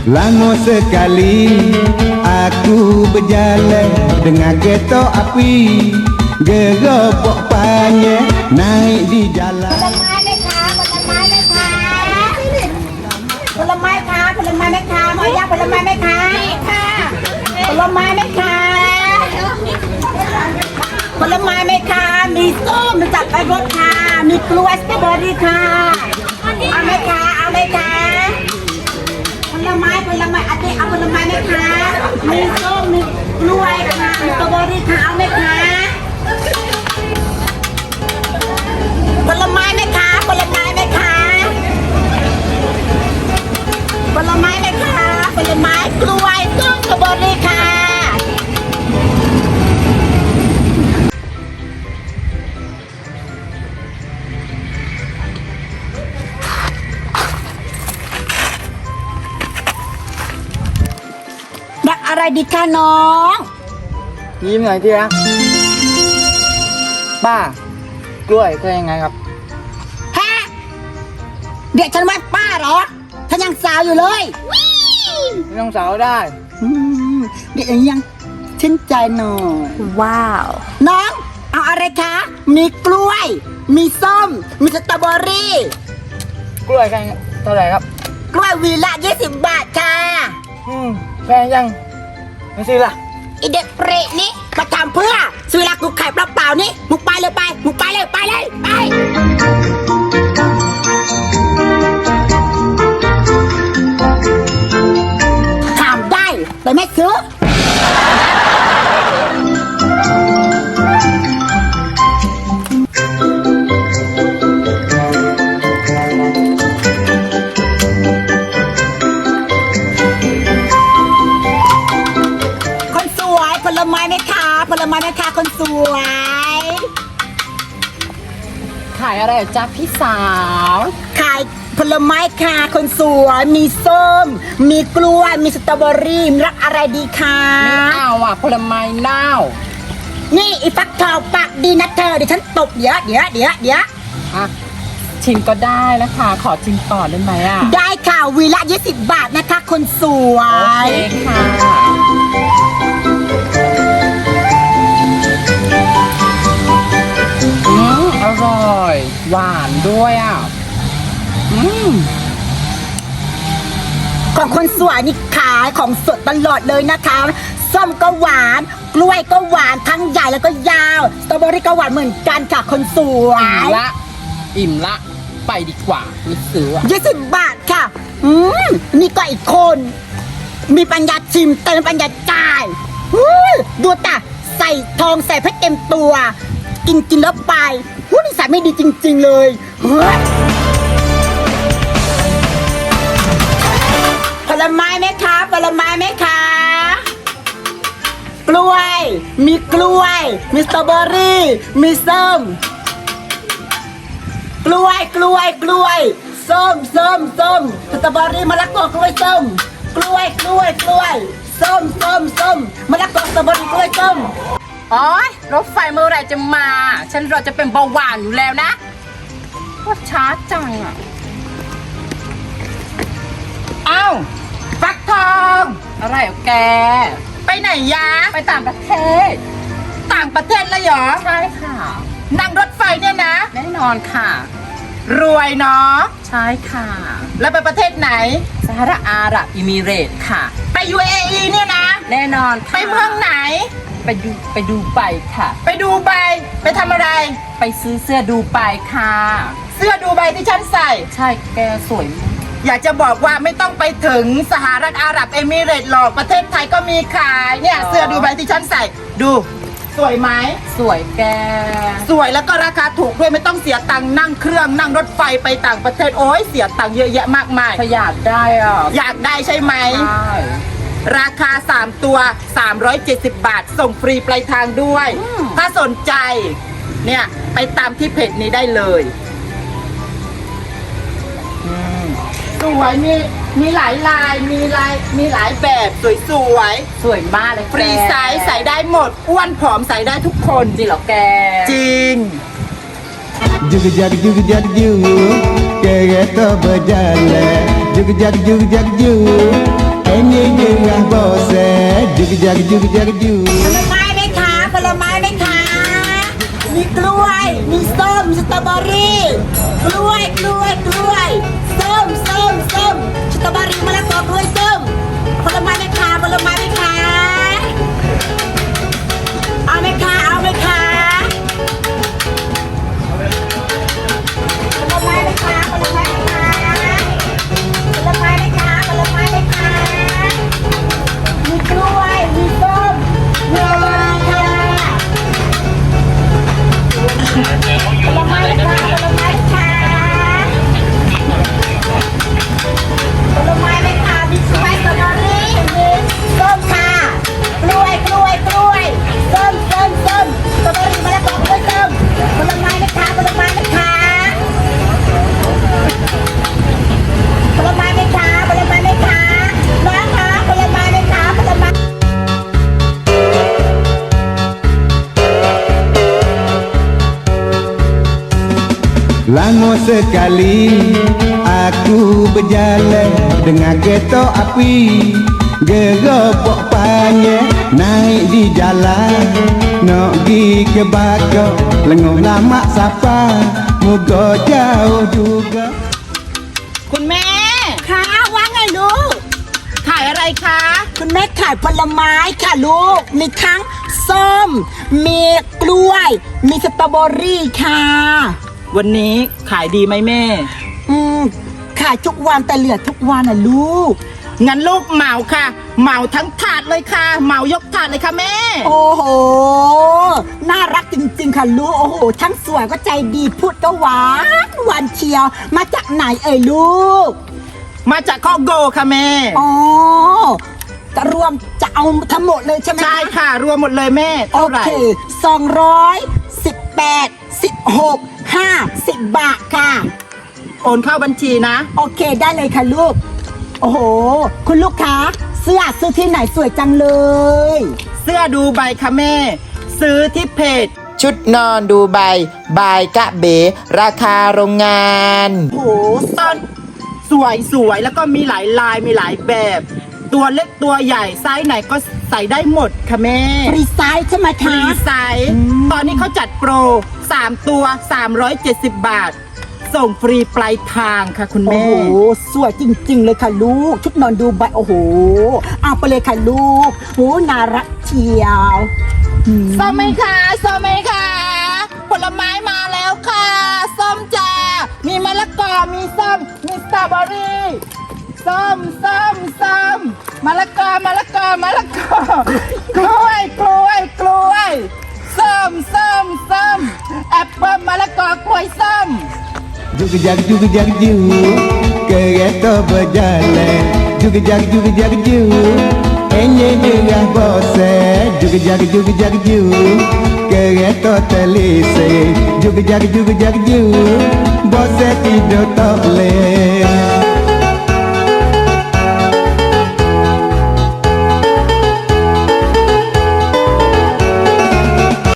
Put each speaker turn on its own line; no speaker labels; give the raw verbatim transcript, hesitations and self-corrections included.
Lama sekali aku berjalan dengan kereta api, geropok panjang naik di jalan.
ผลไม้ไหมคะผลไม้ไหมคะผลไม้คะผลไม้ไหมคะหมอยาผลไม้ไหมคะค่ะผลไม้ไหมคะผลไม้ไหมคะมีส้มจับไปรถค่ะมีกล้วยสตรอเบอรี่ค่ะเอาไหมคะเอาไหมคะผลไม้ผลไม้อันนี้เอาผลไม้ไหมคะมีส้มมีกล้วยค่ะมีสตรอเบอรี่ค่ะเอาไหมคะผลไม้ไหมคะผลไม้ไหมคะผลไม้ไหมคะผลไม้กล้วยส้มสตรอเบอรี่ค่ะรักอะไรดีคะน้อง
ยิ้มหน่อยที่รักป้ากล้วยก็ยังไงครับ
ฮะเด็กฉันว่าป้าเหรอฉันยังสาวอยู่เลย
ไม่ต้องสาวได้
อืมเด็กยังชื่นใจหน่อย
ว้าว
น้องเอาอะไรคะ มีกล้วย มีส้ม มีสตรอเบอรี่
กล้วยกันเท่าไหร่ครับ
กล้วยวีละยี่สิบบาทค่ะ
อืมแพงยังไม่ซื้อละ
ไอเด็กเปรตนี่มาทำเพื่อซื้อเวลากูขายเปล่าๆนี่มึงไปเลยไปมึงไปเลยไปเลยไปถามได้แต่ไม่ซื้อคนสวยผลไม้ไหมคะผลไม้ไหมคะคนสวย
ขายอะไรจ๊ะพี่สาว
ขายผลไม้ค่ะคนสวยมีส้ม มีกล้วย มีสตรอเบอรี่มีรักอะไรดีคะ
ไม่เอาอ่ะผลไม้เน่า
นี่อีฟักทองปากดีนะเธอเดี๋ยวฉันตบเดี๋ยวเดี๋ยวเดี๋ยวเดี๋ยว
อ่ะชิมก็ได้นะคะ ขอชิมก่อนได้ไหมอ่ะ
ได้ค่ะวีละยี่สิบบาทนะคะคนสว
โอย เคค่ะอืมอร่อย หวานด้วยอ่ะอืม
ของคนสวยนี่ขายของสดตลอดเลยนะคะส้มก็หวาน กล้วยก็หวานทั้งใหญ่แล้วก็ยาวสตรอเบอรี่ก็หวานเหมือนกันค่ะคนสว
อิ่ม
ย
ละ อิ่มละ ไปดีกว่าไม่ซื้ออ่ะ
ยี่สิบบาทค่ะ อืมนี่ก็อีกคน มีปัญญาชิมเติมปัญญาจ่ายอู้ดูตาใส่ทองใส่เพชรเต็มตัว กินกินแล้วไปหูนิสัยไม่ดีจริง ๆ เลยเฮ้ยผลไม้ไหมคะผลไม้ไหมคะ กล้วย มีกล้วย มีสตรอเบอรี่ มีส้ม กล้วยกล้วยกล้วยส้มส้มส้มสตรอเบอรี่มะละกอกล้วยส้มกล้วยกล้วยกล้วยส้มส้มส้มมะละกอสตรอเบอรี่กล้วยส้ม
โอ๊ยรถไฟเมื่อไหรจะมา ฉันเราจะเป็นเบาหวานอยู่แล้วนะว่าช้าจังอ่ะ
เอ้าฟักทอง
อะไรอ่ะแก
ไปไหนยะ
ไปต่างประเทศ
ต่างประเทศเลยเหรอ
ใช่ค่ะ
นั่งรถไฟเนี่ยนะ
แน่นอนค่ะ
รวยเนาะ
ใช่ค่ะ
แล้วไปประเทศไหน
สหรัฐอาหรับอิมิเรตส์ค่ะ
ไป ยู เอ อี เนี่ยนะ
แน่นอนค่ะ
ไปเมืองไหน
ไปดูไปดูไปค่ะ
ไปดูใบไปทำอะไร
ไปซื้อเสื้อดูไปค่ะ
เสื้อดูใบที่ฉันใส่
ใช่แกสวยมาก
อยากจะบอกว่าไม่ต้องไปถึงสหรัฐอาหรับเอมิเรตส์หรอกประเทศไทยก็มีขายเนี่ยเสื้อดูใบที่ฉันใส่ดู สวยไหม
สวยแก
สวยแล้วก็ราคาถูกด้วยไม่ต้องเสียตังค์นั่งเครื่องนั่งรถไฟไปต่างประเทศโอ้ยเสียตังค์เยอะแยะมากมาย
ประหยัดได้อ่ะ
อยากได้ใช่ไหม
ใช่
ราคาสามตัวสามร้อยเจ็ดสิบบาทส่งฟรีปลายทางด้วย ถ้าสนใจเนี่ยไปตามที่เพจนี้ได้เลยสวยมีมีหลายลายมีลายมีหลายแบบสวยสวย
สวยมากเลย
ๆฟรีไซส์ใส่ได้หมดอ้วนผอมใส่ได้ทุกคน
จริงเหรอแก
จริง
Jug jag jug jag jug kereta berjalan Jug jag jug jag jug Enye jerah bose Juk jak juk jak juk
ผลไม้ไหมคะผลไม้ไหมคะมีกล้วย มีส้ม สตรอเบอรี่ กล้วย กล้วย กล้วย ส้ม ส้ม ส้ม สตรอเบอรี่มะละกอกล้วยส้ม ผลไม้ไหมคะผลไม้ไหมคะเอาไหมคะเอาไหมคะผลไม้ไหมคะผลไม้ไหมคะผลไม้ไหมคะผลไม้ไหมคะมีกล้วย มีส้ม มีอะไรค่ะผลไม้ไหมคะผลไม้ไหมคะผลไม้ไหมคะมีสไปซ์สตรอเบอรี่มีส้มค่ะกล้วยกล้วยกล้วยส้มส้มส้มสตรอเบอรี่มะละกอกล้วยส้มผลไม้ไหมคะผลไม้ไหมคะผลไม้ไหมคะผลไม้ไหมคะน้องคะผลไม้ไหมคะผลไม้
Lama sekali aku berjalan dengan kereta api Geropok panjang naik di jalan Nak pergi ke Bakau lengoh lama sapa Moga jauh juga
คุณแม่
ค่ะว่าไงลูก
ขายอะไรคะ
คุณแม่ขายผลไม้ค่ะลูก มีทั้งส้ม มีกล้วย มีสตรอเบอรี่ค่ะ
วันนี้ขายดีไหมแม่
อืมขายทุกวันแต่เหลือทุกวันอ่ะลูก
งั้นลูกเหมาค่ะ เหมาทั้งถาดเลยค่ะ เหมายกถาดเลยค่ะแม่
โอ้โห น่ารักจริงๆค่ะลูก โอ้โห ทั้งสวยก็ใจดีพูดก็หวานหวานเชียว มาจากไหนเอ่ยลูก
มาจากข้อโกค่ะแม่
อ๋อจะรวมจะเอาทั้งหมดเลยใช่ไหม
ใช่ค่ะ รวมหมดเลยแม่
โอ
เท่าไหร่
เคสองร้อยสิบแปดสิบหกห้าสิบบาทค่ะ
โอนเข้าบัญชีนะ
โอเคได้เลยค่ะลูก โอ้โห คุณลูกค้าเสื้อซื้อที่ไหนสวยจังเลย
เสื้อดูใบค่ะแม่ ซื้อที่เพจ
ชุดนอนดูใบบายกะเบ ราคาโรงงาน
โอ้โห
ตอนสวยสวยแล้วก็มีหลายลายมีหลายแบบ ตัวเล็กตัวใหญ่ไซส์ไหนก็ใส่ได้หมดค่ะแม่
ฟรีไซส์ใช่ไหม
ฟรี
คะ
ไซส์ตอนนี้เขาจัดโปรสามตัวสามร้อยเจ็ดสิบบาท ส่งฟรีปลายทางค่ะคุณ
โอ้
แม่
โห สวยจริงๆเลยค่ะลูก ชุดนอนดูใบโอ้โห เอาไปเลยค่ะลูกโอ้น่ารักเชียวอืม
ส้มไหมคะส้มไหมคะผลไม้มาแล้วค่ะ ส้มจ้า มีมะละกอ มีส้ม มีสตรอเบอรี่ ส้มส้มส้มมะละกอ มะละกอ มะละกอ กล้วย กล้วย กล้วย ส้มส้มส้มแอปเปิ้ลมะละกอกล้วยส้ม
Juk jak juk jak juk Kereta berjalan Juk jak juk jak juk Enye jerah bose Juk jak juk jak juk Kereta telisik Juk jak juk jak juk Bose tidur tak boleh